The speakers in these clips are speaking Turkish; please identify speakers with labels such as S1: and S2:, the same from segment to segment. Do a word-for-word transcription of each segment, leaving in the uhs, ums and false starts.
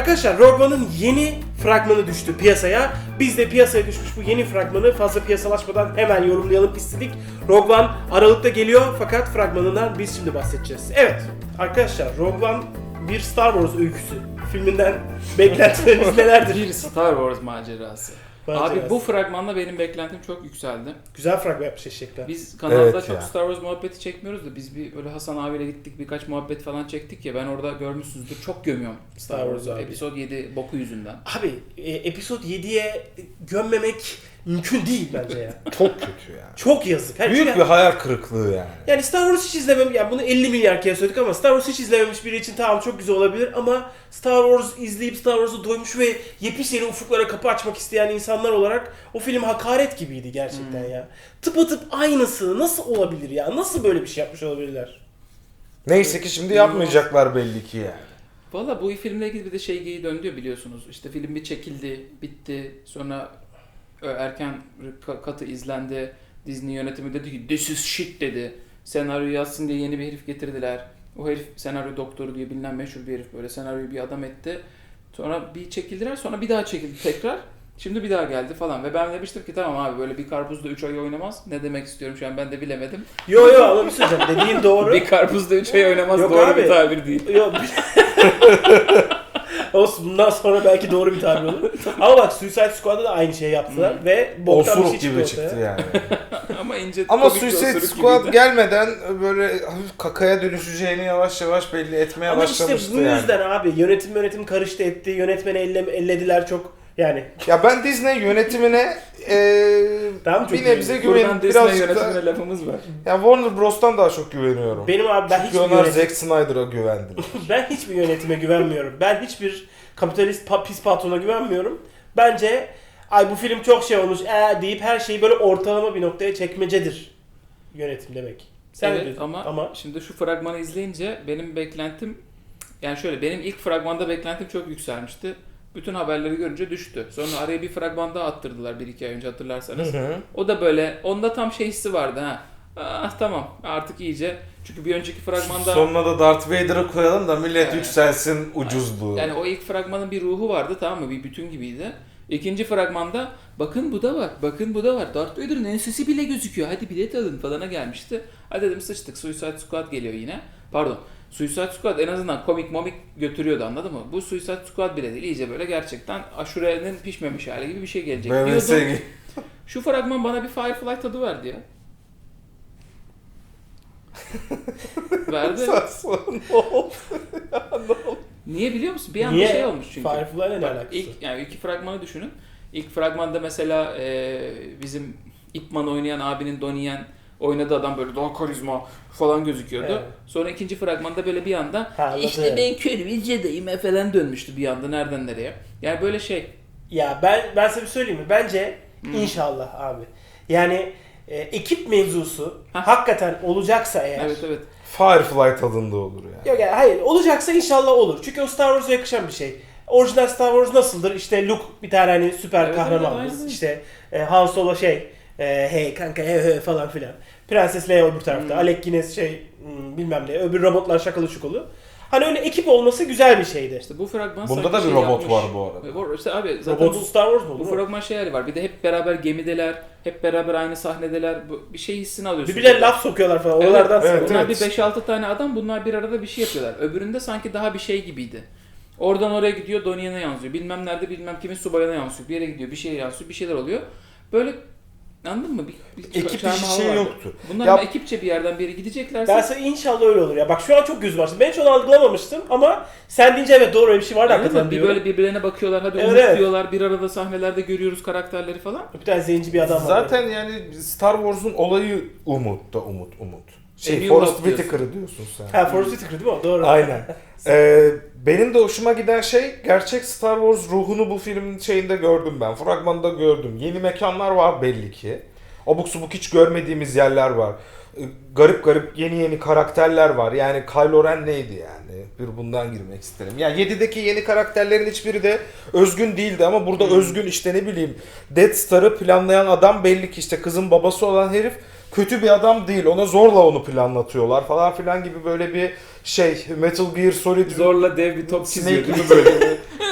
S1: Arkadaşlar Rogue One'ın yeni fragmanı düştü piyasaya. Biz de piyasaya düşmüş bu yeni fragmanı fazla piyasalaşmadan hemen yorumlayalım istedik. Rogue One Aralık'ta geliyor fakat fragmanından biz şimdi bahsedeceğiz. Evet arkadaşlar Rogue One bir Star Wars öyküsü. Filminden beklentileriniz nelerdir?
S2: Bir Star Wars macerası.
S1: Macerası.
S2: Abi bu fragmanla benim beklentim çok yükseldi.
S1: Güzel fragman yapmış eşekler.
S2: Biz kanalda
S3: Evet
S2: çok
S3: ya.
S2: Star Wars muhabbeti çekmiyoruz da biz bir böyle Hasan abiyle gittik birkaç muhabbet falan çektik ya ben orada görmüşsünüzdür çok gömüyorum Star
S1: Star Wars
S2: Wars'u
S1: abi.
S2: Episode yedi boku yüzünden.
S1: Abi e, Episode yediye gömmemek mümkün değil bence ya.
S3: Çok kötü yani.
S1: Çok yazık. Her
S3: Büyük
S1: şey-
S3: bir hayal kırıklığı yani.
S1: Yani Star Wars hiç izlemem, yani bunu elli milyar kere söyledik ama Star Wars hiç izlememiş biri için tamam çok güzel olabilir ama Star Wars izleyip Star Wars'a doymuş ve yepyeni ufuklara kapı açmak isteyen insanlar olarak o film hakaret gibiydi gerçekten
S2: Hmm.
S1: ya. Tıpatıp aynısı nasıl olabilir ya? Nasıl böyle bir şey yapmış olabilirler?
S3: Neyse ki şimdi yapmayacaklar belli ki yani.
S2: Valla bu filmle ilgili bir de şey geyi döndü biliyorsunuz. İşte film bir çekildi, bitti. Sonra ö, erken ka- katı izlendi. Disney yönetimi dedi ki this is shit dedi. Senaryoyu yazsın diye yeni bir herif getirdiler. O herif senaryo doktoru diye bilinen meşhur bir herif böyle senaryoyu bir adam etti. Sonra bir çekildiler sonra bir daha çekildi tekrar. Şimdi bir daha geldi falan ve ben demiştim ki tamam abi böyle bir karpuzda üç ay oynamaz. Ne demek istiyorum şu an ben de bilemedim.
S1: Yo yo ama bir şey söyleyeceğim. Dediğin doğru.
S2: Bir karpuzda üç ay oynamaz
S1: Yok
S2: doğru
S1: abi.
S2: bir tabir değil.
S1: Yo. Olsun bundan sonra belki doğru bir tabir olur. Ama bak Suicide Squad'da da aynı şeyi yaptılar
S2: Hmm.
S1: ve boktan bir
S3: Osuruk
S1: şey
S3: gibi
S1: çıktı ortaya.
S3: çıktı yani.
S2: Ama ince
S3: Ama
S2: komik bir
S3: Suicide
S2: osuruk
S3: Squad
S2: gibiydi.
S3: gelmeden böyle hafif kakaya dönüşeceğini yavaş yavaş belli etmeye
S1: Ama işte
S3: başlamıştı
S1: bu
S3: yani.
S1: yüzden abi yönetim yönetim karıştı etti, yönetmeni elle, ellediler çok yani.
S3: Ya ben Disney yönetimine eee
S1: Tamam, çok
S3: bir nebze
S1: iyi.
S2: Buradan
S3: güven
S2: Disney
S3: birazcık da...
S2: yönetimine lafımız var.
S3: Ya Warner Bros'tan daha çok güveniyorum.
S1: Benim abi ben
S3: Çünkü
S1: hiçbir
S3: onlar
S1: yönetim,
S3: Zack Snyder'a güvendim.
S1: ben hiçbir yönetime güvenmiyorum. Ben hiçbir kapitalist pa- pis patrona güvenmiyorum. Bence ay bu film çok şey olmuş ee deyip her şeyi böyle ortalama bir noktaya çekmecedir yönetim demek. Sen ne
S2: Evet
S1: diyorsun?
S2: ama,
S1: ama
S2: şimdi şu fragmanı izleyince benim beklentim yani şöyle benim ilk fragmanda beklentim çok yükselmişti. Bütün haberleri görünce düştü. Sonra araya bir fragman daha attırdılar bir iki ay önce hatırlarsanız.
S3: Hı hı.
S2: O da böyle onda tam şey hissi vardı ha. Ah tamam artık iyice. Çünkü bir önceki fragmanda
S3: Sonuna da Darth Vader'ı koyalım da millet
S2: Evet.
S3: yükselsin ucuzluğu.
S2: yani o ilk fragmanın bir ruhu vardı tamam mı? Bir bütün gibiydi. İkinci fragmanda bakın bu da var, bakın bu da var. Darth Vader'ın ensesi bile gözüküyor. Hadi bilet alın falana gelmişti. Hadi dedim sıçtık. Suicide Squad geliyor yine. Pardon. Suicide Squad en azından komik momik götürüyordu anladın mı? Bu Suicide Squad bile değil. İyice böyle gerçekten aşurenin pişmemiş hali gibi bir şey gelecek
S3: B M S
S2: diyordum.
S3: gibi.
S2: Şu fragman bana bir Firefly tadı verdi ya. Verdi.
S3: Saçma, ne oldu?
S2: Niye biliyor musun? Bir anda
S1: niye?
S2: şey olmuş çünkü.
S1: Firefly'la ne
S2: Bak,
S1: alakası?
S2: ilk, yani iki fragmanı düşünün. İlk fragmanda mesela e, bizim Ip Man oynayan abinin Donnie Yen oynadığı adam böyle daha karizma falan gözüküyordu.
S1: Evet.
S2: Sonra ikinci fragmanda böyle bir anda
S1: Ha,
S2: işte
S1: anladım.
S2: ben kötü bir Jedi'yim falan dönmüştü bir anda nereden nereye. Yani böyle şey.
S1: Ya ben ben size bir söyleyeyim mi? Bence
S2: Hmm.
S1: inşallah abi. Yani e, ekip mevzusu
S2: Hah.
S1: hakikaten olacaksa eğer.
S2: Evet evet.
S3: Firefly tadında olur yani.
S1: Yok yani hayır olacaksa inşallah olur. Çünkü o Star Wars'a yakışan bir şey. Orijinal Star Wars nasıldır? İşte Luke bir tane hani süper
S2: Evet,
S1: kahramanımız.
S2: evet, aynen.
S1: İşte e, Han Solo şey e, hey kanka he he falan filan. Prenses Leia öbür tarafta.
S2: Hmm.
S1: Alec Guinness şey hmm, bilmem ne. Öbür robotlar şakalı şukalı. Hani öyle ekip olması güzel bir şeydi.
S2: İşte bu fragman
S3: Bunda
S2: sanki
S3: da bir
S2: şey
S3: robot
S2: yapmış.
S3: var bu arada.
S2: Var. İşte abi zaten
S1: Robotsuz
S2: bu,
S1: Star Wars mu
S2: bu
S1: olur?
S2: fragman şey hali var. Bir de hep beraber gemideler. Hep beraber aynı sahnedeler. Bu, bir şey hissini alıyorsun.
S1: Birbirlerine laf sokuyorlar falan.
S2: Evet,
S1: Oralardan
S3: evet,
S1: sonra.
S2: Bunlar
S3: evet.
S2: bir beş altı tane adam bunlar bir arada bir şey yapıyorlar. Öbüründe sanki daha bir şey gibiydi. Oradan oraya gidiyor Donnie Yen'e yansıyor. Bilmem nerede bilmem kimin subayına yansıyor. Bir yere gidiyor bir şeye yansıyor bir şeyler oluyor. Böyle anladın mı? Bir, bir
S3: Ekip
S2: çarmıha
S3: işi şey
S2: vardı.
S3: yoktu.
S2: Bunlar
S3: Ya-
S2: ama ekipçe bir yerden bir yere gideceklerse.
S1: Ben sana inşallah öyle olur ya. Bak şu an çok gözüm açtı. Ben hiç onu algılamamıştım ama sen deyince evet doğru öyle bir şey vardı
S2: Anladın
S1: hakikaten
S2: mı? Bir
S1: diyorum.
S2: böyle birbirlerine bakıyorlar. Hadi
S1: Evet,
S2: umut
S1: evet.
S2: diyorlar. Bir arada sahnelerde görüyoruz karakterleri falan.
S1: Bir tane zenci bir adam var.
S3: Zaten yani Star Wars'un olayı umut da umut umut.
S2: A
S3: Şey
S2: New
S3: Forrest
S2: Hope diyorsun.
S3: Whitaker'ı diyorsun sen.
S1: Ha Forrest Whitaker değil mi o? Doğru.
S3: Aynen. Ee, benim de hoşuma giden şey gerçek Star Wars ruhunu bu filmin şeyinde gördüm ben. Fragmanda gördüm. Yeni mekanlar var belli ki. Abuk subuk hiç görmediğimiz yerler var. Ee, garip garip yeni yeni karakterler var. Yani Kylo Ren neydi yani? Bir bundan girmek isterim. Yani yedideki yeni karakterlerin hiçbiri de özgün değildi ama burada
S2: Hmm.
S3: özgün işte ne bileyim Death Star'ı planlayan adam belli ki işte kızın babası olan herif kötü bir adam değil. Ona zorla onu planlatıyorlar falan filan gibi böyle bir şey Metal Gear Solid
S2: Zorla dev bir top çiziyor
S3: Snake
S2: değil mi
S3: gibi
S2: böyle?
S3: böyle.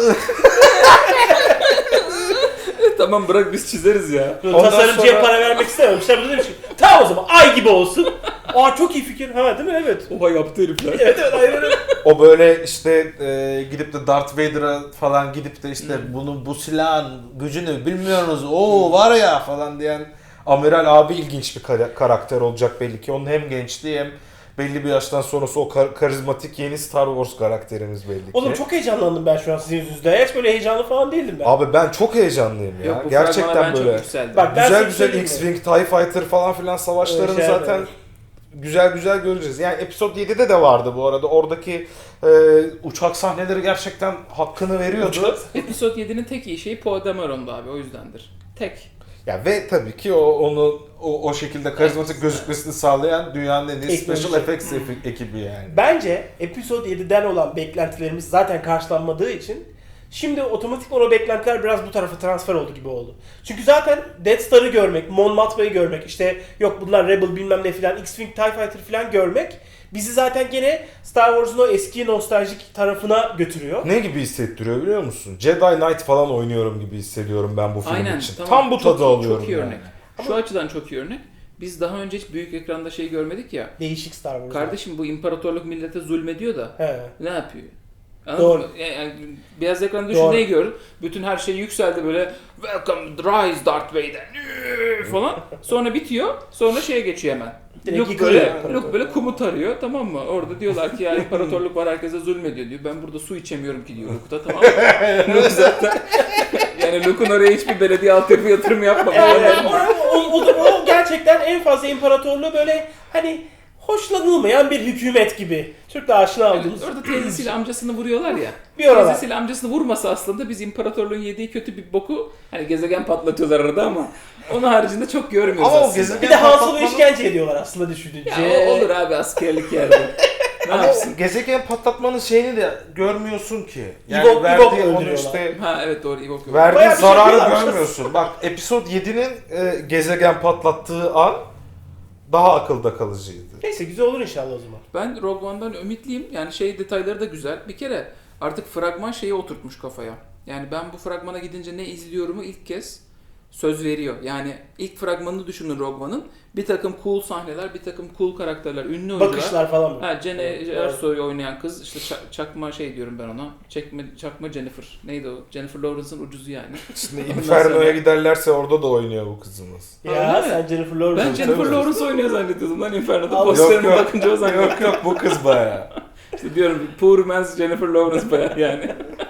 S2: Tamam bırak biz çizeriz ya.
S1: Böyle
S3: Ondan
S1: tasarımcıya
S3: sonra-
S1: para vermek istememişler. Bu demiş ki tamam o zaman ay gibi olsun. Aa çok iyi fikir. Ha değil mi? Evet.
S2: Oha yaptı herifler.
S1: Evet evet aynen öyle.
S3: O böyle işte e, gidip de Darth Vader'a falan gidip de işte bunun bu silahın gücünü bilmiyorsunuz. Oo var ya falan diyen Amiral abi ilginç bir kara- karakter olacak belli ki. Onun hem gençliği hem belli bir yaştan sonrası o kar- karizmatik yeni Star Wars karakterimiz belli ki.
S1: Oğlum çok heyecanlandım ben şu an sizin yüzünüzden. Hiç böyle heyecanlı falan değildim ben.
S3: Abi ben çok heyecanlıyım ya.
S2: Yok, bu fragmana
S3: Gerçekten
S2: ben çok
S3: böyle.
S2: yükseldim.
S1: Bak, ben
S3: Güzel
S1: size
S3: güzel
S1: söyleyeyim mi?
S3: X-Wing, TIE Fighter falan filan savaşlarını
S1: Öyle şeyler
S3: zaten
S1: var.
S3: güzel güzel göreceğiz. Yani Episode yedide de vardı bu arada. Oradaki e, uçak sahneleri gerçekten hakkını veriyordu.
S2: Episode yedinin tek iyi şeyi Poe Dameron'du abi, o yüzdendir. Tek.
S3: Ya ve tabii ki o onu o, o şekilde karizmatik gözükmesini sağlayan dünyanın en iyi
S1: Teknoloji.
S3: special effects efi- ekibi yani.
S1: Bence Episode yediden olan beklentilerimiz zaten karşılanmadığı için şimdi otomatik o beklentiler biraz bu tarafa transfer oldu gibi oldu. Çünkü zaten Death Star'ı görmek, Mon Mothma'yı görmek, işte yok bunlar Rebel bilmem ne filan, X-Wing, TIE Fighter filan görmek bizi zaten gene Star Wars'un o eski nostaljik tarafına götürüyor.
S3: Ne gibi hissettiriyor biliyor musun? Jedi Knight falan oynuyorum gibi hissediyorum ben bu film
S2: Aynen.
S3: için.
S2: Tamam.
S3: Tam bu
S2: Çok
S3: tadı
S2: iyi-
S3: alıyorum.
S2: Çok iyi
S3: yani.
S2: örnek. Şu açıdan çok iyi örnek. Biz daha önce hiç büyük ekranda şey görmedik ya.
S1: Değişik Star Wars.
S2: Kardeşim bu imparatorluk millete zulmediyor da
S1: He.
S2: ne yapıyor? Anladın
S1: Doğru.
S2: mı? Yani, yani beyaz ekranda düşün
S1: Doğru.
S2: neyi gördün? Bütün her şey yükseldi böyle Welcome Rise Darth Vader falan. Sonra bitiyor. Sonra şeye geçiyor hemen.
S1: Direkt
S2: Luke
S1: yıkılıyor
S2: böyle,
S1: imparatorluk.
S2: Luke böyle kumut arıyor, tamam mı? Orada diyorlar ki ya imparatorluk var, herkese zulmediyor diyor. Ben burada su içemiyorum ki diyor Luke da, tamam mı? Luke zaten yani Luke'un oraya hiçbir belediye altyapı yatırımı yapmamış.
S1: Evet, o, o, o, o gerçekten en fazla imparatorluğu böyle hani hoşlanılmayan bir hükümet gibi. Çok da aşina
S2: Yani
S1: olduğumuz.
S2: orada teyzesiyle amcasını vuruyorlar ya.
S1: Bir oralar.
S2: Teyzesiyle amcasını vurmasa aslında biz imparatorluğun yediği kötü bir boku hani gezegen patlatıyorlar arada ama onun haricinde çok görmüyoruz
S3: Ama o
S2: aslında.
S3: gezegen-
S1: Bir de Han Solo
S3: patlatmanın-
S1: işkence ediyorlar aslında düşününce.
S2: Ya o olur abi askerlik yerde. Ne
S3: Ama
S2: yapsın?
S3: o gezegen patlatmanın şeyini de görmüyorsun ki. Yani
S1: Ewok- Ewok
S3: verdiği onu
S1: öldürüyorlar.
S3: işte
S2: Ha evet doğru Ewok yok.
S3: verdiği
S1: Bayağı bir şey
S3: zararı
S1: yapıyorlar.
S3: görmüyorsun. Bak Episode yedinin e, gezegen patlattığı an daha akılda kalıcıydı.
S1: Neyse güzel olur inşallah o zaman.
S2: Ben Rogue One'dan ümitliyim. Yani şey detayları da güzel. Bir kere artık fragman şeyi oturtmuş kafaya. Yani ben bu fragmana gidince ne izliyorumu ilk kez söz veriyor. Yani ilk fragmanını düşünün Rogue One'ın. Bir takım cool sahneler, bir takım cool karakterler, ünlü oyuncular.
S1: Bakışlar falan mı?
S2: Ha, Jenna
S1: Evet,
S2: Ersoy'u oynayan kız, işte ça- çakma şey diyorum ben ona. Çekme, çakma Jennifer. Neydi o? Jennifer Lawrence'ın ucuzu yani.
S3: Şimdi
S2: Ondan
S3: Inferno'ya
S2: sonra-
S3: giderlerse orada da oynuyor bu kızımız.
S1: Ya
S2: Öyle mi?
S1: sen Jennifer Lawrence.
S2: Ben Jennifer
S3: tabii.
S2: Lawrence oynuyor zannediyordum lan Inferno'da.
S1: Abi,
S2: Posterine
S3: yok, yok.
S2: bakınca o zannediyordum.
S3: Yok yok bu kız baya.
S2: İşte diyorum poor man's Jennifer Lawrence bayağı yani.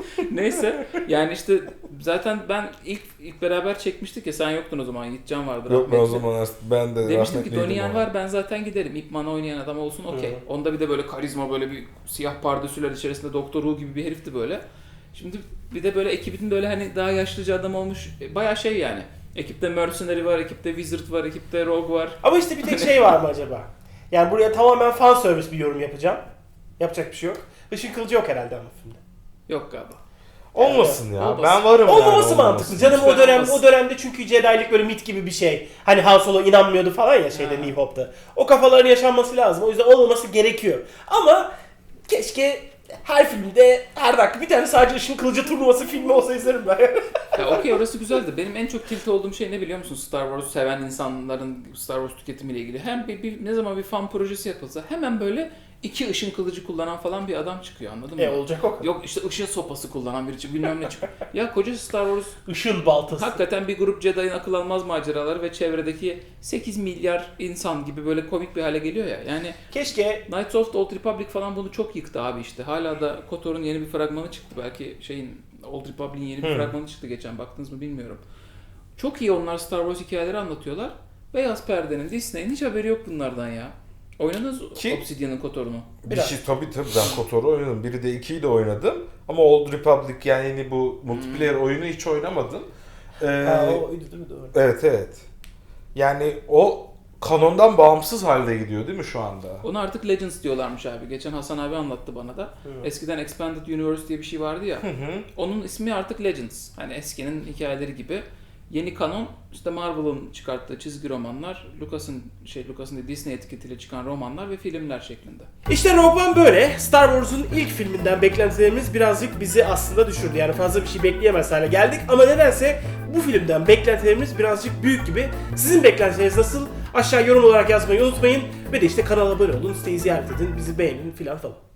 S2: Neyse yani işte zaten ben ilk ilk beraber çekmiştik ya, sen yoktun o zaman, Yiğitcan vardı.
S3: Yok ben o
S2: rahmetli.
S3: zaman ben de
S2: Demiştim ki
S3: rahmetliydim
S2: Donnie Yen
S3: ama.
S2: var, ben zaten giderim. Ip Man oynayan adam olsun okey.
S1: Hı.
S2: Onda bir de böyle karizma, böyle bir siyah pardösüler içerisinde Doktor Who gibi bir herifti böyle. Şimdi bir de böyle ekibin böyle hani daha yaşlıca adam olmuş, e, bayağı şey yani. Ekipte Mercenary var, ekipte Wizard var, ekipte Rogue var.
S1: Ama işte bir tek şey var mı acaba? Yani buraya tamamen fan service bir yorum yapacağım. Yapacak bir şey yok. Işın kılıcı yok herhalde ama filmde.
S2: Yok galiba.
S3: Olmasın ya.
S2: Olmasın.
S3: Ben varım
S1: Olmaması
S3: yani.
S1: mantıklı. Canım o
S2: Lütfen
S1: dönem
S2: olmasın.
S1: o dönemde çünkü Jedi'lik böyle mit gibi bir şey. Hani Han Solo inanmıyordu falan ya şeyde
S2: Ha.
S1: New Hope'da. O kafaların yaşanması lazım. O yüzden olmaması gerekiyor. Ama keşke her filmde her dakika bir tane sadece ışın kılıcı turnuvası filmi olsa izlerim ben.
S2: Ya okey, orası güzeldi. Benim en çok tilt olduğum şey ne biliyor musun? Star Wars seven insanların Star Wars tüketimiyle ilgili. Hem bir, bir ne zaman bir fan projesi yapılsa hemen böyle iki ışın kılıcı kullanan falan bir adam çıkıyor, anladın mı?
S1: e olacak o kadar.
S2: Yok işte ışık sopası kullanan biri çıkıyor, bilmem ne çıkıyor. Ya koca Star Wars
S1: Işın baltası.
S2: hakikaten bir grup Jedi'nin akıl almaz maceraları ve çevredeki sekiz milyar insan gibi böyle komik bir hale geliyor ya. Yani
S1: Keşke
S2: Knights of the Old Republic falan bunu çok yıktı abi işte. Hala da KOTOR'un yeni bir fragmanı çıktı. Belki şeyin Old Republic'in yeni bir
S1: Hmm.
S2: fragmanı çıktı geçen. Baktınız mı bilmiyorum. Çok iyi onlar Star Wars hikayeleri anlatıyorlar. Beyaz perdenin, Disney'in hiç haberi yok bunlardan ya. Oynadınız
S3: Ki-
S2: Obsidian'ın KOTOR'unu.
S3: Bir
S1: Biraz.
S3: şey tabii tabii ben KOTOR'u oynadım. Biri de ikiyi de oynadım. Ama Old Republic yani yeni bu multiplayer oyunu hiç oynamadım. Ee,
S1: ha, o oydu değil mi? Doğru.
S3: evet evet. Yani o kanondan bağımsız halde gidiyor değil mi şu anda?
S2: Onu artık Legends diyorlarmış abi. Geçen Hasan abi anlattı bana da.
S1: Hı.
S2: Eskiden Expanded Universe diye bir şey vardı ya.
S3: Hı hı.
S2: Onun ismi artık Legends. Hani eskinin hikayeleri gibi. Yeni kanon işte Marvel'ın çıkarttığı çizgi romanlar, Lucas'ın şey Lucas'ın değil, Disney etiketiyle çıkan romanlar ve filmler şeklinde.
S1: İşte Rogue One böyle. Star Wars'un ilk filminden beklentilerimiz birazcık bizi aslında düşürdü. Yani fazla bir şey bekleyemez hale geldik. Ama nedense bu filmden beklentilerimiz birazcık büyük gibi. Sizin beklentileriniz nasıl? Aşağı yorum olarak yazmayı unutmayın. Ve de işte kanala abone olun, siteyi ziyaret edin, bizi beğenin filan falan.